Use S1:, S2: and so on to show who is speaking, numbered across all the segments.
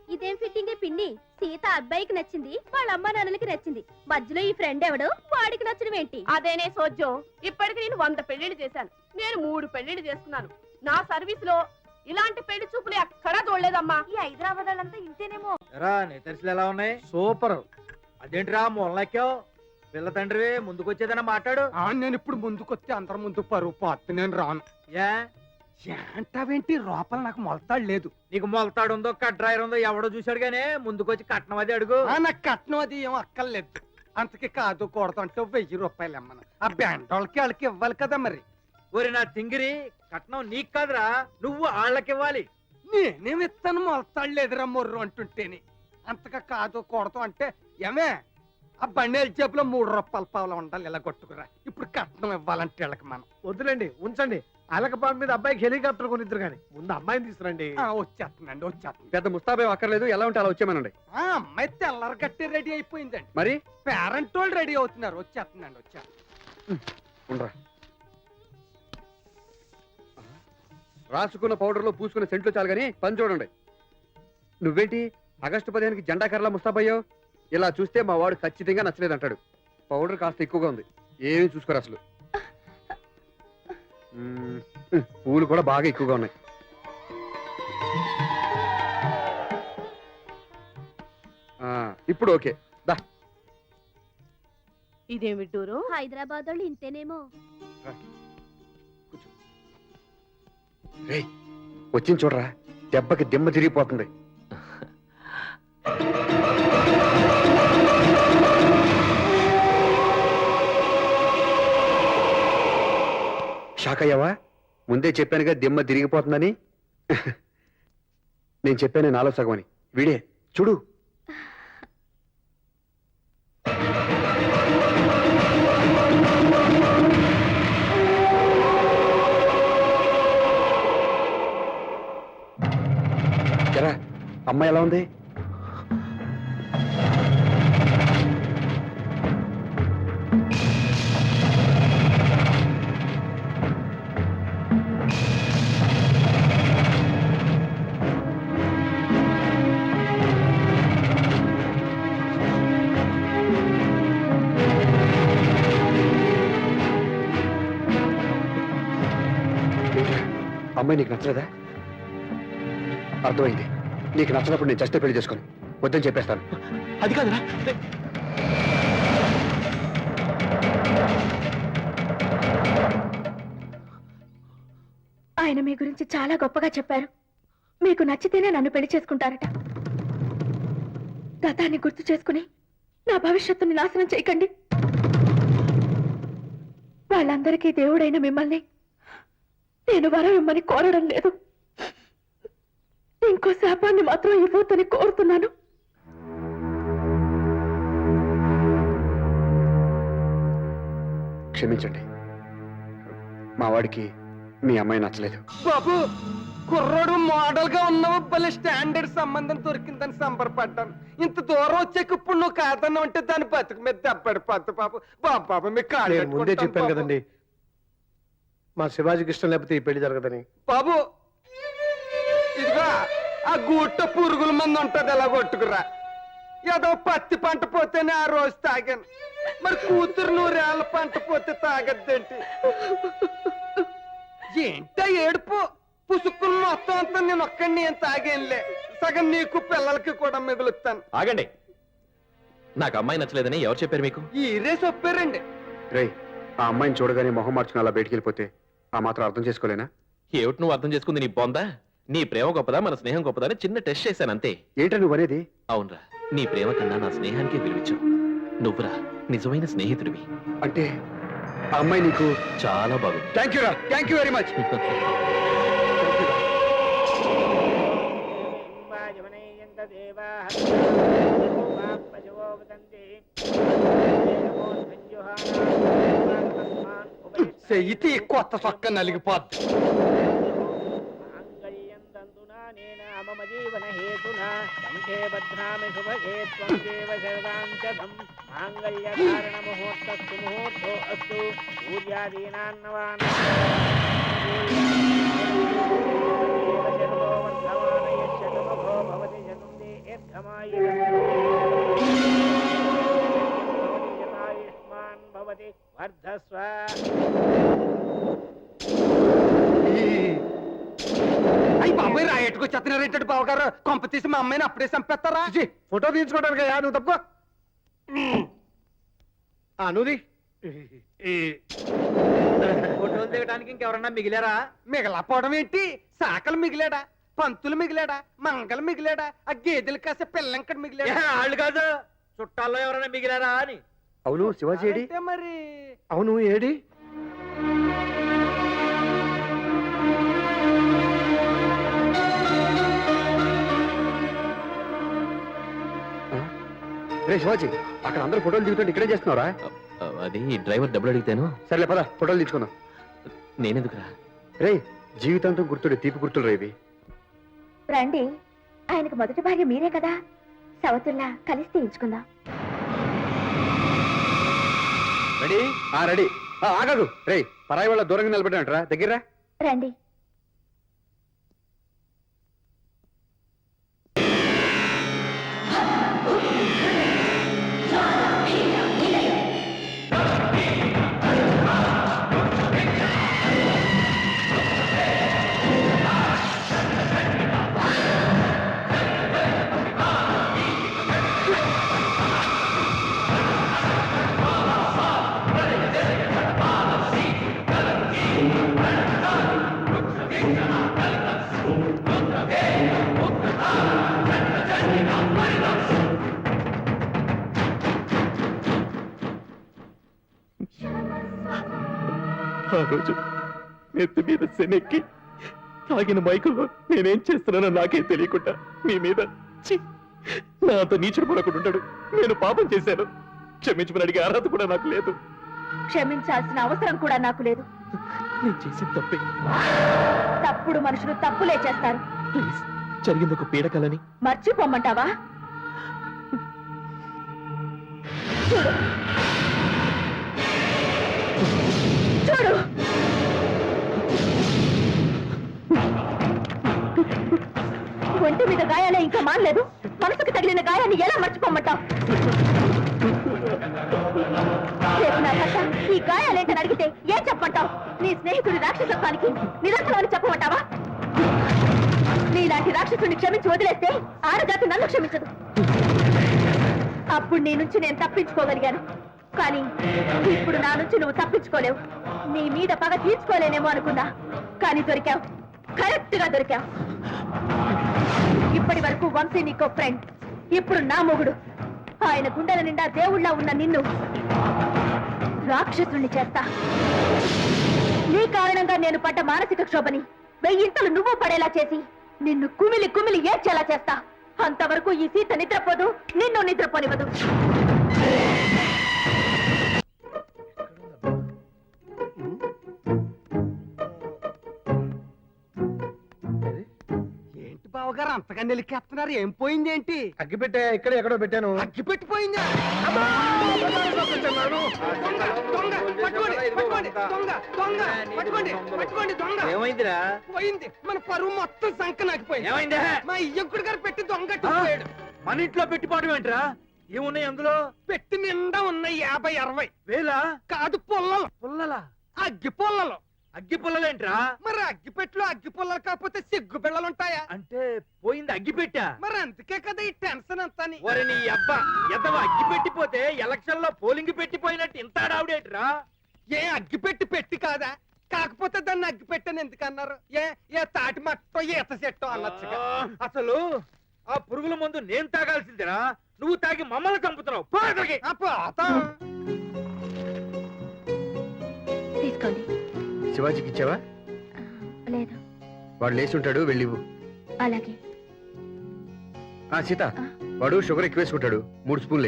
S1: ఇదేం ఫిట్టింగ్ పిన్ని? సీత అబ్బాయికి నచ్చింది, వాళ్ళ అమ్మా నాన్నలకి నచ్చింది, మధ్యలో ఈ ఫ్రెండ్ ఎవడు వాడికి నచ్చడం ఏంటి?
S2: అదేనే సోజ్యం. ఇప్పటికి నేను 100 పెళ్లిళ్ళు చేశాను. నేను 3 పెళ్లిళ్ళు చేసుకున్నాను. నా సర్వీస్ లో ఇలాంటి పెళ్లి చూపులు ఎక్కడా చూడలేదమ్మా.
S1: ఈ హైదరాబాద్ వాళ్ళంతా ఇంతేనేమో.
S3: ఎలా ఉన్నాయి? సూపర్. అదేంటిరా మొల్లెక్కావు? పిల్ల తండ్రివే ముందుకొచ్చేదన్నా మాట్లాడు.
S4: నేను ఇప్పుడు ముందుకొచ్చి అందరి ముందు పరువు పోతే నేను రాను. ఏంటావేంటి? లోపల నాకు మొలతాడు లేదు.
S3: నీకు మొలతాడు ఉందో కట్రాయర్ ఉందో ఎవడో చూశాడు గానీ ముందుకొచ్చి కట్నం అది అడుగు.
S4: నాకు కట్నం అది ఏం అక్కర్లేదు. అంతకి కాదు కూడదు అంటే 1000 రూపాయలు ఇమ్మను. ఆ బ్యాండ్ వాళ్ళకి ఇవ్వాలి కదా మరి.
S3: ఒరి నా తింగిరి, కట్నం నీకు కాదురా, నువ్వు వాళ్ళకి ఇవ్వాలి.
S4: నేనేమిస్తాను మొలతాడు లేదురా మొర్రు అంటుంటేని. అంతగా కాదు కూడదు అంటే ఏమే ఆ బండేల జేబులో 3 రూపాయల పావులు ఉండాలి. ఇలా కొట్టుకురా. ఇప్పుడు కట్నం ఇవ్వాలంటే వీళ్ళకి మనం.
S5: వద్దులేండి, ఉంచండి. అలకపాటు మీద అబ్బాయికి హెలికాప్టర్ కొనిద్దరు కానీ ముందు అమ్మాయిని తీసుకురండి.
S4: వచ్చేస్తుంది.
S6: పెద్ద ముస్తాబే అక్కర్లేదు, ఎలా ఉంటే అలా వచ్చేమనండి.
S4: అమ్మాయి తెల్లరి కట్టి రెడీ అయిపోయిందండి.
S6: మరి
S4: పేరెంట్ వాళ్ళు రెడీ అవుతున్నారు. వచ్చేస్తుందండి.
S6: ఉండరా, రాసుకున్న పౌడర్లో పూసుకున్న సెంట్లు చాలు కానీ పని చూడండి. నువ్వేంటి ఆగస్టు 15కి జెండా కర్రలా ముస్తాబయ్యావు? ఇలా చూస్తే మా వాడు ఖచ్చితంగా నచ్చలేదంటాడు. పౌడర్ కాస్త ఎక్కువగా ఉంది, ఏమీ చూసుకోరు అసలు. పూలు కూడా బాగా ఎక్కువగా ఉన్నాయి. ఇప్పుడు ఓకే దా.
S2: ఇదేమి టూరు?
S1: హైదరాబాద్ వాళ్ళు ఇంతేనేమో.
S6: వచ్చింది చూడరా, దెబ్బకి దిమ్మ తిరిగిపోతుంది. షాక్ అయ్యావా? ముందే చెప్పానుగా దిమ్మ తిరిగిపోతుందని. నేను చెప్పాను నాలో సగం అని. వీడే చూడు. ఎరా అమ్మాయి ఎలా ఉంది? అమ్మాయి నీకు నచ్చలేదా? అర్థమైంది. నీకు నచ్చినప్పుడు నేను చస్తే పెళ్లి చేసుకొని వద్దని చెప్పేస్తాను.
S5: అది కాదురా.
S1: ఆయన మీ గురించి చాలా గొప్పగా చెప్పారు. మీకు నచ్చితేనే నన్ను పెళ్లి చేసుకుంటారట. గతాన్ని గుర్తు చేసుకుని నా భవిష్యత్తుని నాశనం చేయకండి. వాళ్ళందరికీ దేవుడైన మిమ్మల్ని నేను వరం ఇమ్మని కోరడం లేదు. ఇంకో శాపాన్ని మాత్రం ఇవ్వొద్దని కోరుతున్నాను.
S6: క్షమించండి, మా వాడికి మీ అమ్మాయి నచ్చలేదు.
S4: బాబు కుర్రోడు మోడల్ గా ఉన్నావు, భలే స్టాండర్డ్ సంబంధం దొరికిందని సంబరపడ్డాను. ఇంత దూరం వచ్చాక ఇప్పుడు నువ్వు కాదన్నా అంటే దాని బతుకు మీద దెబ్బడిపోద్దు బాబు. బాబు మీకు
S5: నేను ముందే చెప్పాను కదండి, మా శివాజీకి ఇష్టం లేకపోతే ఈ పెళ్లి జరగదని.
S4: బాబు ఇదిగా ఆ గూట్ట పురుగుల మంది ఉంటది, ఎలా కొట్టుకురా. ఏదో పత్తి పంట పోతేనే ఆ రోజు తాగాను, మరి కూతురు 100 ఏళ్ళ పంట పోతే తాగద్దేంటి? ఏంటా ఏడుపు? పుసుక్కులు మొత్తం అంతా నేను ఒక్కడిని ఏం తాగేనులే, సగం నీకు పిల్లలకి కూడా మిగులుతాను.
S7: ఆగండి, నాకు అమ్మాయి నచ్చలేదని ఎవరు చెప్పారు మీకు?
S4: ఈరే చెప్పారండి.
S6: రేయ్, ఆ అమ్మాయిని చూడగానే మొహం మార్చుకుని అలా బయటికి వెళ్ళిపోతే ఆ మాత్రం అర్థం చేసుకోలేనా?
S7: ఏమిటి నువ్వు అర్థం చేసుకుంది? నీ బొందా? నీ ప్రేమ గొప్పదా మన స్నేహం గొప్పదా అని చిన్న టెస్ట్ చేశాను అంతే.
S6: ఏంటో నువ్వు అనేది?
S7: అవునరా, నీ ప్రేమ కన్నా నా స్నేహానికి విలువించు. నువ్వురా నిజమైన స్నేహితుడివి.
S6: అంటే ఆ అమ్మాయి నీకు
S7: చాలా బాగుంది.
S6: థ్యాంక్ యూ రా, థ్యాంక్ యూ వెరీ మచ్.
S4: చెయ్యితే కొత్త చొక్క నలిగిపోద్ది. అయ్యి బాబాయ్ రాయట్టుకొచ్చేస్తున్నారు ఏంటంటే బావగారు కొంప తీసి మా అమ్మాయిని అప్పుడే చంపేస్తారా
S5: ఫోటో తీయించుకోవడానికి నువ్వు తప్పుకో నువ్వుది
S3: ఫోటోలు దిగడానికి ఇంకెవరన్నా మిగిలారా?
S4: మిగలపోవడం ఏంటి సాకలు మిగిలాడా పంతులు మిగిలాడా మంగలు మిగిలాడా ఆ గేదెలు కాసే పిల్లంకడ మిగిలాడా
S3: వాళ్ళు కాదు, చుట్టాల్లో ఎవరైనా మిగిలారా అని.
S6: అవును శివాజీ ఏడి?
S4: అంటే మరి
S5: అవును ఏడి
S6: రే శివాజీ, అక్కడ అందరూ ఫోటోలు దిగుతుంటే ఇక్కడే చేస్తున్నారా?
S7: అది డ్రైవర్ డబ్బులు అడిగితేను.
S6: సర్లే పద ఫోటోలు తీసుకుందాం.
S7: నేనెందుకురా?
S6: రే జీవితాంతం గుర్తుడే తీపి గుర్తులు రేవి.
S1: రండి, ఆయనకు మొదటి భార్య మీరే కదా, సవతుల్లా కలిసి తీయించుకుందాం.
S6: రెడీ? రెడీ. ఆగదు రే, పరాయి వాళ్ళ దూరంగా నిలబడ్డాంట్రా, దగ్గర
S1: రండి.
S7: ఆ రోజు నెత్తి మీద శనెక్కి తాగిన మైకుల్లో నేనేం చేస్తున్నానో నాకే తెలియకుండా మీ మీద ఛీ, నాతో నీచుడు పడకుండా ఉంటాడు. నేను పాపం చేశాను, క్షమించమని అడిగే అర్హత కూడా నాకు లేదు.
S1: క్షమించాల్సిన అవసరం కూడా నాకు లేదు.
S7: నేను చేసిన తప్పే.
S1: తప్పుడు మనుషులు తప్పులే చేస్తారు.
S7: ప్లీజ్, జరిగింది ఒక పీడకలని
S1: మర్చిపోమ్మంటావా? చూడు చూడు, ఒంటి మీద గాయాలే ఇంకా మానలేదు, మనసుకు తగిలిన గాయాన్ని ఎలా మర్చిపోమ్మంటావు? రేపు నా భర్త ఈ గాయాలేంటని అడిగితే ఏం చెప్పమంటావు? నీ స్నేహితుడి రాక్షసత్వానికి నిదర్శనం అని చెప్పమంటావా? నీలాంటి రాక్షసుని క్షమించి వదిలేస్తే ఆడజాతి నన్ను క్షమించదు. అప్పుడు నీ నుంచి నేను తప్పించుకోగలిగాను, కానీ ఇప్పుడు నా నుంచి నువ్వు తప్పించుకోలేవు. నీ మీద పగ తీర్చుకోలేనేమో అనుకున్నా, కానీ దొరికావు, కరెక్ట్ గా దొరికావు. ఇప్పటి వరకు వంశీ నీకో ఫ్రెండ్, ఇప్పుడు నా మొగుడు. ఆయన గుండెల నిండా దేవుళ్ళ ఉన్న నిన్ను రాక్షసుణ్ణి చేస్తా. నీ కారణంగా నేను పడ్డ మానసిక క్షోభని వెయ్యింతలు నువ్వు పడేలా చేసి నిన్ను కుమిలి కుమిలి ఏడ్చేలా చేస్తా. అంతవరకు ఈ సీత నిద్రపోదు, నిన్ను నిద్రపోనివ్వదు.
S4: ఏంటి బావగారు అంతగా నిలికేస్తున్నారు ఏం పోయింది ఏంటి
S5: అగ్గి పెట్టే ఇక్కడ ఎక్కడో పెట్టాను.
S4: అగ్గి పెట్టిపోయిందా అమ్మా! దొంగ, దొంగ, పట్టుకోండి, పట్టుకోండి, దొంగ, దొంగ, పట్టుకోండి, పట్టుకోండి, దొంగ.
S3: ఏమైందిరా?
S4: పోయింది మన పరువు మొత్తం సంక నాకిపోయింది.
S3: ఏమైందా?
S4: మా ఇయ్యంకుడు గారు పెట్టి దొంగట్టుకుపోయాడు.
S3: మన ఇంట్లో పెట్టిపోవడం ఏంట్రా? ఏమున్నాయి అందులో?
S4: పెట్టి నిండా ఉన్నాయి 50-60
S3: వేలా?
S4: కాదు పుల్లలు,
S3: పుల్లలా?
S4: అగ్గి పుల్లలు.
S3: అగ్గి పుల్లలేంట్రా?
S4: మరి అగ్గి పెట్టులో అగ్గి పుల్లలు కాకపోతే సిగ్గు బిళ్ళలు ఉంటాయా?
S3: అంటే పోయింది అగ్గి పెట్టా?
S4: మరి అందుకే కదా ఈ టెన్షన్ అంతా.
S3: ఒరే నీ అబ్బా, ఎదవ అగ్గి పెట్టిపోతే ఎలక్షన్ లో పోలింగ్ పెట్టిపోయినట్టు ఇంత ఆడావుడేట్రా?
S4: ఏ అగ్గి పెట్టి పెట్టి కాదా? కాకపోతే దాన్ని అగ్గి పెట్టని ఎందుకన్నారు? ఏ తాటి మట్టో ఈత చెట్టో అనొచ్చుగా.
S3: అసలు ఆ పురుగుల మందు నేను తాగాల్సిందిరా, నువ్వు తాగి మమ్మల్ని చంపుతున్నావు. పో అక్కడికి.
S1: తీసుకోండి.
S6: శివాజీకి ఇచ్చావా?
S1: లేదు.
S6: వాడు లేచి ఉంటాడు, వెళ్ళివు.
S1: అలాగే.
S6: సీత, వాడు షుగర్ ఎక్కువ వేసుకుంటాడు, 3 స్పూన్లే.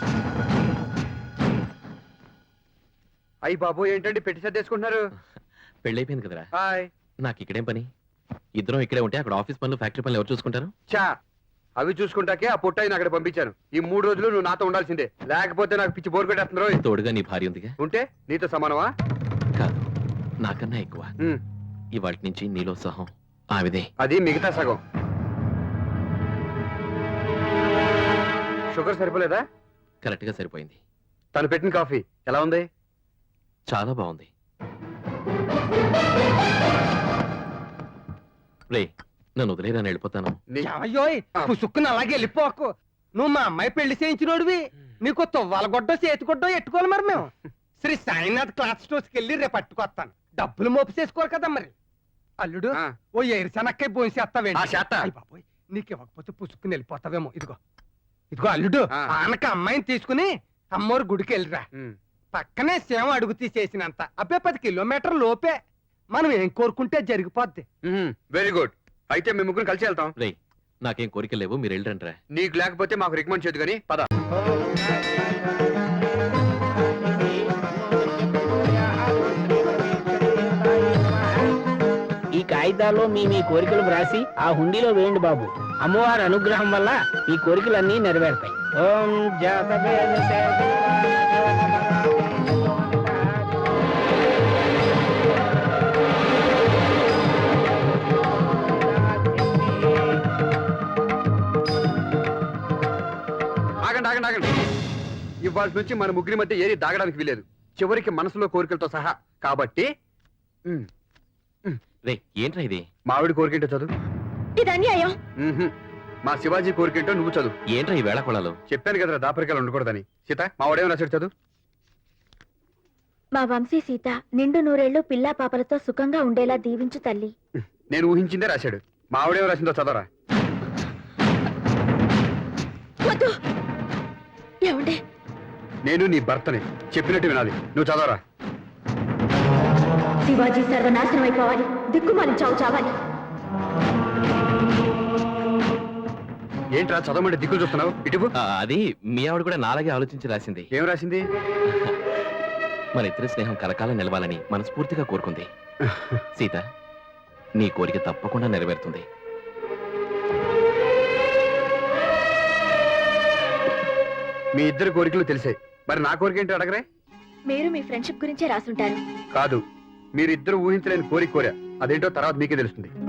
S6: అయ్యి బాబు, ఏంటండి పెట్టి సర్దేసుకుంటున్నారు?
S7: పెళ్ళైపోయింది కదరా
S6: హాయ్.
S7: నాకు ఇక్కడేం పని ఇద్దరం ఇక్కడే ఉంటే అక్కడ ఆఫీస్ పనులు ఫ్యాక్టరీ పనులు ఎవరు చూసుకుంటారు
S6: చా అవి చూసుకుంటాకే ఆ పుట్టని అక్కడ పంపించాను. ఈ 3 రోజులు నువ్వు నాతో ఉండాల్సిందే, లేకపోతే నాకు పిచ్చి బోర్ కొట్టేస్తుందో.
S7: తోడుగా నీ భార్య ఉందిగా
S6: ఉంటే నీతో సమానమా?
S7: కాదు నాకన్నా ఎక్కువ
S6: ఉమ్,
S7: ఇవాటి నుంచి నీలో సహం ఆవిదే
S6: అది మిగతా సగం. షుగర్ సరిపోలేదా?
S7: కరెక్ట్ గా సరిపోయింది.
S6: తను పెట్టిన కాఫీ ఎలా ఉంది?
S7: చాలా బాగుంది. రే నన్ను వదిలేరా వెళ్ళిపోతాను.
S4: ఏమయ్యోయ్ పుసుక్కుని అలాగే వెళ్ళిపోకు. నువ్వు మా అమ్మాయి పెళ్లి చేయించినోడివి, నీకు తువ్వాలగొడ్డో చేతిగొడ్డో ఎట్టుకోవాలి. మరి మేము శ్రీ సాయినాథ్ క్లాత్ స్టోర్స్కి వెళ్ళి రేపు పట్టుకొస్తాను. డబ్బులు మోపు చేసుకోరు కదా మరి. అల్లుడు
S6: ఆ.
S4: ఓ ఏరుశనక్కాయ భోంచేస్తావేంటి?
S6: ఆ, చేత్తా.
S4: అయ్ బాబోయ్, నీకు ఇవ్వకపోతే పుసుక్కుని వెళ్ళిపోతావేమో. ఇదిగో ఇదిగో అల్లుడు,
S6: ఆ.
S4: ఆనక అమ్మాయిని తీసుకుని అమ్మోరు గుడికి వెళ్ళిరా.
S6: ఉమ్,
S4: పక్కనే సేమ అడుగు తీసేసినంత అబ్బే 10 కిలోమీటర్ లోపే. మనం ఏం కోరుకుంటే జరిగిపోద్ది.
S6: Very good. అయితే మేము ముగ్గురు కలిసి వెళ్తాం.
S7: రే నాకేం కోరికలు లేవు, మీరు వెళ్ళరంట్రా.
S6: నీకు లేకపోతే మాకు రికమెండ్ చేయదు కానీ పద.
S8: ఈ కాగితాల్లో మీ మీ కోరికలు వ్రాసి ఆ హుండీలో వేయండి బాబు. అమ్మవారి అనుగ్రహం వల్ల మీ కోరికలన్నీ నెరవేరుతాయి. ఓం జాతవేద
S6: ఆగండి ఆగండి ఆగండి. ఇవాళ నుంచి మన ముగ్గురి మధ్య ఏది దాగడానికి వీలేదు, చివరికి మనసులో కోరికలతో సహా. కాబట్టి ఉమ్,
S7: రే ఏంట్రా ఇది?
S6: మావిడి కోరికేంటో చదువు.
S1: ఇది అన్యాయం.
S6: ఉహుం. మా శివాజీ కోరికేంటో నువ్వు చదువు.
S7: ఏంట్రా ఈ వేళ కొళాలు?
S6: చెప్పాను కదరా దాపరికాలు ఉండకూడదని. సీత మావాడేమో రాశాడు, చదువు.
S1: మా వంశీ సీత నిండు నూరేళ్లు పిల్లా పాపలతో సుఖంగా ఉండేలా దీవించు తల్లి.
S6: నేను ఊహించిందే రాశాడు. మావిడేమో రాసిందో చదవరా.
S1: వద్దు. ఏమండే?
S6: నేను నీ భర్తని, చెప్పినట్టు వినాలి. నువ్వు చదవరా.
S1: శివాజీ సర్వనాశనం అయిపోవాలి, దిక్కుమాలి చావు చావాలి.
S6: ఏంట్రా చదవమంటే దిక్కులు చూస్తున్నావు? ఇటువు.
S7: అది మీ ఆవిడ కూడా నాలాగే ఆలోచించి రాసింది.
S6: ఏం రాసింది?
S7: మన ఇద్దరి స్నేహం కలకాలం నిలవాలని మనస్ఫూర్తిగా కోరుకుంది. సీత నీ కోరిక తప్పకుండా నెరవేరుతుంది.
S6: మీ ఇద్దరు కోరికలు తెలిసాయి, మరి నా కోరిక ఏంటో అడగరే.
S1: మీరు మీ ఫ్రెండ్షిప్ గురించే రాసుంటారు.
S6: కాదు, మీరిద్దరు ఊహించలేని కోరిక కోరా. అదేంటో తర్వాత మీకే తెలుస్తుంది.